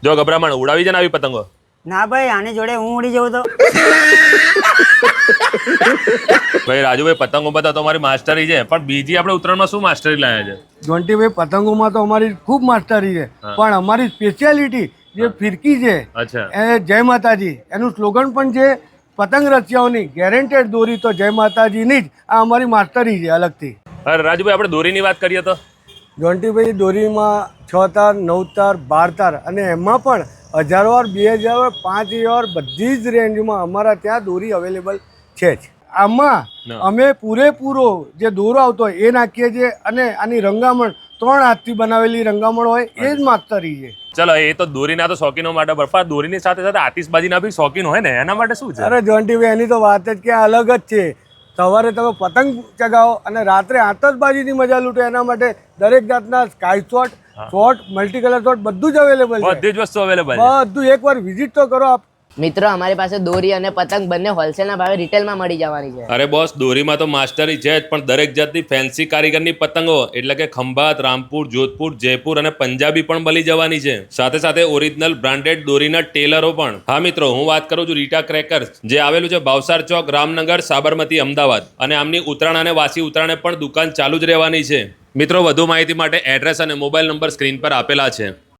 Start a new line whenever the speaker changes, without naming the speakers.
જો ગભરામણ ઉડાવી જાય ને આવી પતંગો.
ના ભાઈ, આની જોડે હું ઉડી જવું તો.
ભાઈ રાજુભાઈ, પતંગોમાં તો તમારી માસ્ટરી છે, પણ બીજી આપણે ઉત્તરાયણમાં શું માસ્ટરી લાયા છે?
જોન્ટીભાઈ, પતંગોમાં તો અમારી ખૂબ માસ્ટરી છે, પણ અમારી સ્પેશિયાલિટી જે ફિરકી છે
અચ્છા,
એ જય માતાજી, એનું સ્લોગન પણ છે પતંગ રસિયાઓની ગેરંટેડ દોરી તો જય માતાજીની જ. આ અમારી માસ્ટરી છે અલગથી.
અરે રાજુભાઈ, આપણે દોરીની વાત કરીએ તો
જોન્ટીભાઈ, દોરીમાં 6 તાર, 9 તાર, 12 તાર અને એમાં પણ 1000 વાર, 2000 વાર, 5000 બધી જ રેન્જમાં અમારા ત્યાં દોરી અવેલેબલ છે જ. આમાં અમે પૂરેપૂરો જે દોરો આવતો હોય એ નાખીએ છીએ અને આની રંગામણ 3 હાથથી બનાવેલી રંગામણ હોય એ જ માસ્ટરી છે.
ચલો, એ તો દોરીના તો શોખીનો માટે બરફા, દોરીની સાથે સાથે આતિશબાજીના બી શોખીન હોય ને, એના માટે શું છે?
અરે જોન્ટીભાઈ, એની તો વાત જ ક્યાં અલગ જ છે. સવારે તમે પતંગ ચગાવો અને રાત્રે આતશબાજીની મજા લૂંટો, એના માટે દરેક જાતના sky shot, shot, multi colour shot બધું જ અવેલેબલ છે.
બધી જ વસ્તુ અવેલેબલ છે.
બધું એકવાર વિઝિટ તો કરો આપ.
મિત્રો, અમારી પાસે દોરી અને પતંગ બંને હોલસેલના ભાવે રિટેલમાં મળી જવાની છે.
અરે બોસ, દોરીમાં તો માસ્ટરી છે જ, પણ દરેક જાતની ફેન્સી કારીગરની પતંગો એટલે કે ખંભાત, રામપુર, જોધપુર, જયપુર અને પંજાબી પણ મળી જવાની છે. સાથે સાથે ઓરિજિનલ બ્રાન્ડેડ દોરીના ટેલરો પણ. હા મિત્રો, હું વાત કરું છું રીટા ક્રેકર્સ, જે આવેલું છે ભાવસાર ચોક, રામનગર, સાબરમતી, અમદાવાદ. અને આમની ઉત્તરાયણ અને વાસી ઉત્તરાયણે પણ દુકાન ચાલુ જ રહેવાની છે. મિત્રો, વધુ માહિતી માટે એડ્રેસ અને મોબાઈલ નંબર સ્ક્રીન પર આપેલા છે.